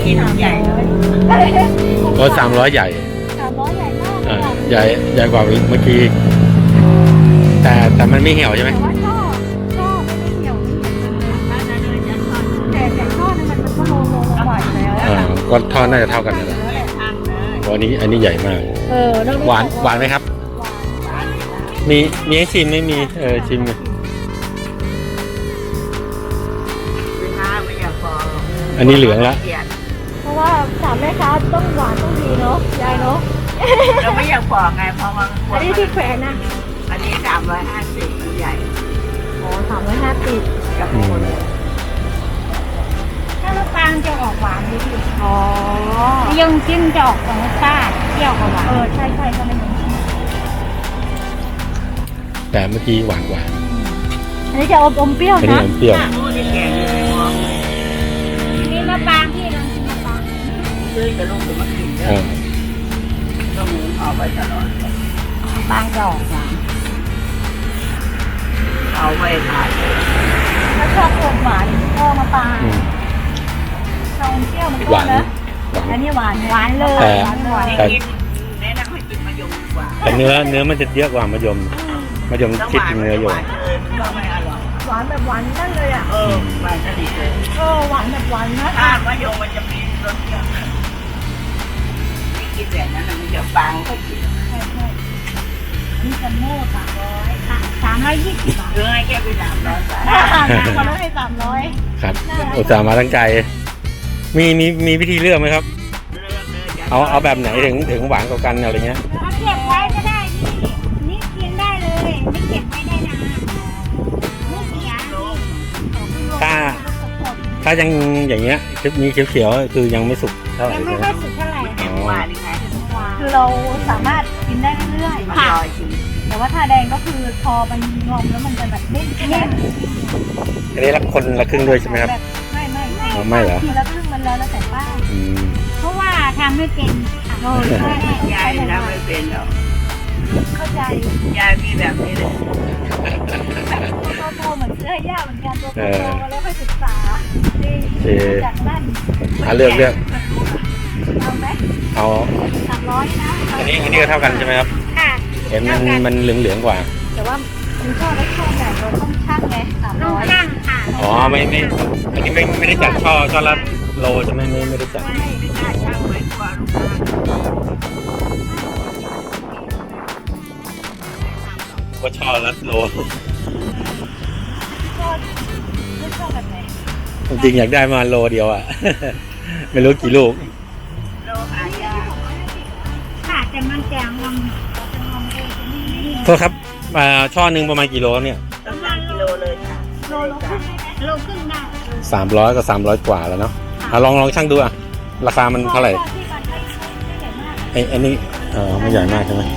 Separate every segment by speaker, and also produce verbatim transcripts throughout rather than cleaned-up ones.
Speaker 1: กินใหญ่เลย
Speaker 2: โอ้สามร้อยใหญ่
Speaker 3: สามร้อยใหญ่มาก
Speaker 2: อ่าใหญ่ใหญ่กว่าเมื่อกี้แต่แต่มันไม่เหี่ยวใช่ไหม
Speaker 3: แต่ว่าช่อช่อไม่ได้เหี่ยวแต่แต่ช่อนั้นมันก็โลโลกว่าอยู่แล้ว
Speaker 2: อ่าก็ทอดน่าจะเท่ากันนั่นแหละอันนี้อันนี้ใหญ่มาก
Speaker 3: เออ
Speaker 2: หวานหวานไหมครับ มีมีให้ชิมไม่มีเออชิมอันนี้เหลืองละ
Speaker 3: เพราะว่าสามแม่ค้าต้องหวานต้องดีเนาะยายเนาะ
Speaker 1: เราไม่อยากบอกไงเพราะว่า
Speaker 3: อันนี้ที่แขวนนะ
Speaker 1: อันนี้สามร้อยห้าสิบใหญ่
Speaker 3: อ๋อสามร้อยห้าสิบ
Speaker 1: กับ
Speaker 2: อื
Speaker 1: ค
Speaker 2: ม
Speaker 1: น
Speaker 3: ถ้ามะปรางจะออกหวานนิดนึงอ๋อยังจิ้มจะออกของซ่าเปรี้ยวกว่าหวานเออใช่ใช่ก็เลยเหมือน
Speaker 2: แต่เมื่อกี้หวานกว่า
Speaker 3: อันนี้จะอมอมเปรี้ยว
Speaker 2: อันนี้
Speaker 3: นะ
Speaker 2: อมเปรี้ยว
Speaker 1: รู้ที่แกงอยู่ในมอง
Speaker 3: นี่มะปรางพี่ลองกินมะปราง
Speaker 1: ซื้อจะลงจะมากิน
Speaker 2: เออ
Speaker 1: ต้องเอาไปตลอด
Speaker 3: มะปรางจะออกหวาน
Speaker 1: เอาไปขาย
Speaker 3: ถ้าชอบอมหวานก็มะปราง
Speaker 2: อืม
Speaker 3: ชอบอมเปรี้ยวมัน
Speaker 2: ห
Speaker 3: ก็
Speaker 2: วาน
Speaker 3: นะ
Speaker 2: หวาน
Speaker 3: อันนี้หวานหวานเลย
Speaker 2: แต่
Speaker 3: หวานหวาน
Speaker 1: ให้กินแนะนำให้กินมะยมดีกว่า
Speaker 2: แต่เนื้อเนื้อมันจะเยอะกว่ามะยมมะยมคิดถึงเนื้ออยู่
Speaker 1: ก็ไม่อร่อย
Speaker 3: หวานแบบหวานนั่นเลยอ่ะ
Speaker 1: เออหวานสนิทเลย
Speaker 3: เออหวานแบบหวานนะ
Speaker 1: ถ้ามะยมมันจะมีรสเยอะไม่กินแบบนั้นมันจะฟังก็กิน
Speaker 3: ใช่ใช่นี่จะโม่สามร้อยสามร้อยยี่สิบบาท
Speaker 1: เออให้แกไปสามร้อยบาท
Speaker 3: คนละให้สามร้อย
Speaker 2: ครับอุตส่าห์มาตั้งใจมีมีมีวิธีเลือกไหมครับ เอาเอาแบบไหนถึงถึงหวานกว่ากันอะไรเงี้ย
Speaker 3: เอาเก็บไว้ก็ได้นี่นี่กินได้เลยไม่เก็บไว้ได้นานไม่เสีย
Speaker 2: ถ้าถ้ายังอย่างเงี้ยมีเขียวๆคือยังไม่สุกเท่าไหร่
Speaker 3: ยังไม่
Speaker 2: ใช่ไหม
Speaker 3: ค่อยสุกเท่าไหร่
Speaker 2: อ๋อ
Speaker 1: หวานยังไง
Speaker 3: คือเราสามารถกินได้เรื่อย
Speaker 1: มัน
Speaker 3: ๆค่ะ
Speaker 1: ลอยชิม
Speaker 3: แต่ว่าทาแดงก็คือพอมันงอมแล้วมันจะแบบเด้งเด้ง
Speaker 2: อันนี้ละคนละครึ่งด้วยใช่ไหมครับ
Speaker 3: แบบไม่ไม่ไม่
Speaker 2: อ๋อไม่เหรอ
Speaker 3: ทีละครึ่งมันแล้วแล้วแต่ป้า
Speaker 2: อืม
Speaker 3: เพราะว่าทำไม่เป็นค่ะโอ้ยไม่ได้
Speaker 1: ยายทำไม่เป็นหรอก
Speaker 3: เข้าใจ
Speaker 1: ยายมีแบบนี้เลย
Speaker 3: ตัวโตเหมือนเสื้อย่าเหมือนกันตัวโตมาแล้วไปศึกษาดีจากนั่น
Speaker 2: อ่ะเลือกเลือก
Speaker 3: เอาไหม
Speaker 2: เอา
Speaker 3: สามร้อยนะ
Speaker 2: อันนี้อันนี้ก็เท่ากันใช่ไหมครับ
Speaker 3: ค่ะ
Speaker 2: เห็นมันมันเหลืองเหลืองๆกว่า
Speaker 3: แต่ว่าคุณชอบได้ช่วงแบบเราต้องชั่งไงสามร้อยชั่งค่ะ
Speaker 2: อ๋อไม่ไม่อันนี้ไม่ไม่ได้จัดช่อช่อละโลใช่ไหมไม่ไม่ได้จัด
Speaker 1: ไม่ได้ช่างไว้กว่าลูกค้า
Speaker 2: ว่าช่อละโล
Speaker 3: ชอบไม่ชอบแบบไหน
Speaker 2: จริงๆอยากได้มาโลเดียวอ่ะ ไม่รู้กี่ลูก
Speaker 1: โลหายาก
Speaker 3: ค่ะแต่มันแจงงอมจะงอมเองจะนี่
Speaker 2: โทษครับอ่าช่อหนึ่งประมาณกี่โลครับเนี่ย
Speaker 1: ต้องสามกิโลเลยค่ะ
Speaker 3: โลโลครึ่งได้ไหมโลครึ่งได้
Speaker 2: สามร้อยกับสามร้อยกว่าแล้วเนาะอ่ะลองลองช่างดูอ่ะราคามันเท่าไหร่
Speaker 3: ที่มันไม่ไม่ใหญ่มาก
Speaker 2: ไอ้ไอ้นี่เออไม่ใหญ่มากใช่ไหม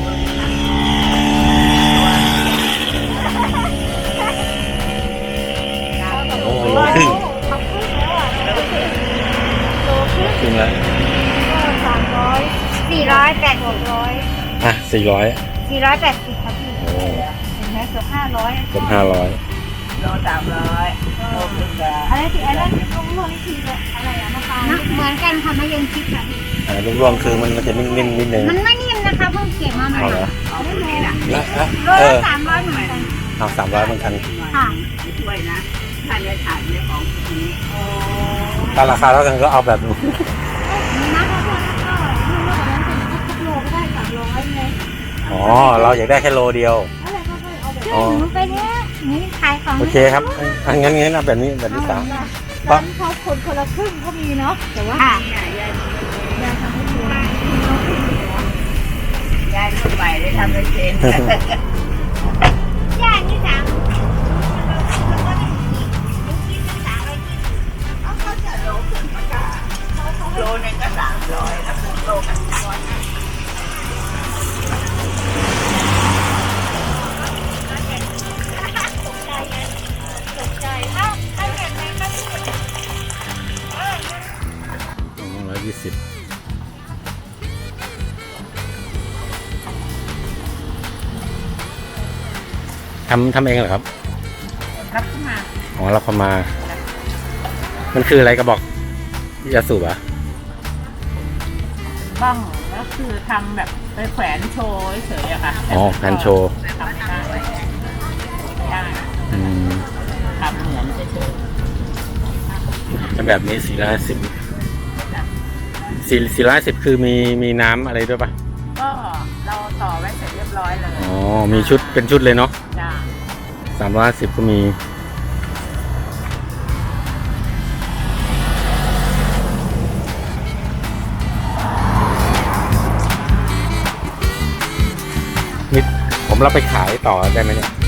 Speaker 2: โอ้โหโลครึ่ง
Speaker 3: ทำครึ่งแล้วอ่ะโลครึ่ง
Speaker 2: ครึ่งแล้ว
Speaker 3: ก็สามร้อยสี่ร้อยแปดหกร้อย
Speaker 2: อ่ะสี่ร้อย
Speaker 3: สี่ร้อยแปดสิบครับพี่
Speaker 2: โอ้
Speaker 3: เห็นไหมเกือบห้าร้อย
Speaker 2: เกือบห้าร้อย
Speaker 1: โลสามร้อยโลครึ่งละ
Speaker 3: อะไรที่อะไรที่ต้องรวมนี่คืออะไรอะมะพร้าวเหมือนกันค่ะมะยงชิดค่ะพี่
Speaker 2: อ่าลูกรวงคือมันมันจะนิ่มๆนิดนึง
Speaker 3: มันไม่นิ่มนะคะเพิ่งเก็บมาใหม่
Speaker 2: เอาเหรอ
Speaker 1: เอาตัวนี้นะ
Speaker 2: แล้วแล้ว
Speaker 3: โล
Speaker 2: เอ
Speaker 3: ละ
Speaker 2: อ
Speaker 3: สามร้อยเหมือนกัน
Speaker 2: เอาสามร้อยเหมือนกัน
Speaker 3: ค่ะ
Speaker 1: ช่วยนะถ้าจะถ่ายในของนี้
Speaker 2: ถ้าราคาเท่ากันก็เอาแบบนี้
Speaker 3: มีนะข้าวโพดก็ยิ่งมากกว่านั้นเป็นทุกโลก็ได้สามร้อยไง
Speaker 2: อ๋อเราอยากได้แค่โลเดียว
Speaker 3: อะไรก็ได้เอาแบบ
Speaker 2: อ๋อ
Speaker 3: หนูไปเนี้ยนี่ขายของ
Speaker 2: โอเคครับอ่ะงั้นงั้นเอาแบบนี้แบบที่สาม
Speaker 3: ร้านเขาคนคนละครึ่งก็มีเนาะแต่ว่า
Speaker 1: เนี่ยยาย
Speaker 3: ยายทำให้ดู
Speaker 1: ยายเข้าไปได้ทำเป็นเชน
Speaker 3: ย่างนี่สาม
Speaker 1: เขาจะโลครึ่งมาค่ะโลนึงก็สามร้อยแล้วครึ่งโลก็สามร้อย
Speaker 3: ตกใจถ้าถ้าแบบไหนก็ที่
Speaker 2: สองร้อยยี่สิบทำทำเองเหรอครับ
Speaker 1: รับเข้ามา
Speaker 2: อ๋อเราเข้ามา มันคืออะไรกระบอกยาสูบอ่ะ
Speaker 1: ย
Speaker 3: บ้างก็คือทำแบบไปแขวนโชว์เฉยๆอะค่ะ
Speaker 2: อ๋อแผ่นโชว์
Speaker 3: ทำไม่ได้ไม่ได้
Speaker 2: อืม
Speaker 3: ทำเหมือนเฉย
Speaker 2: แล้วแบบนี้สี่ร้อยสิบสี่สี่ร้อยสิบคือมีมีน้ำอะไรด้วยปะ
Speaker 3: ๆก็เราต่อไว้เสร็จเรียบร้อยเลย
Speaker 2: อ๋อมีชุดเป็นชุดเลยเนาะ
Speaker 3: จ้า
Speaker 2: สามร้อยสิบก็มีนี่ผมรับไปขายต่อได้ไหมเนี่ย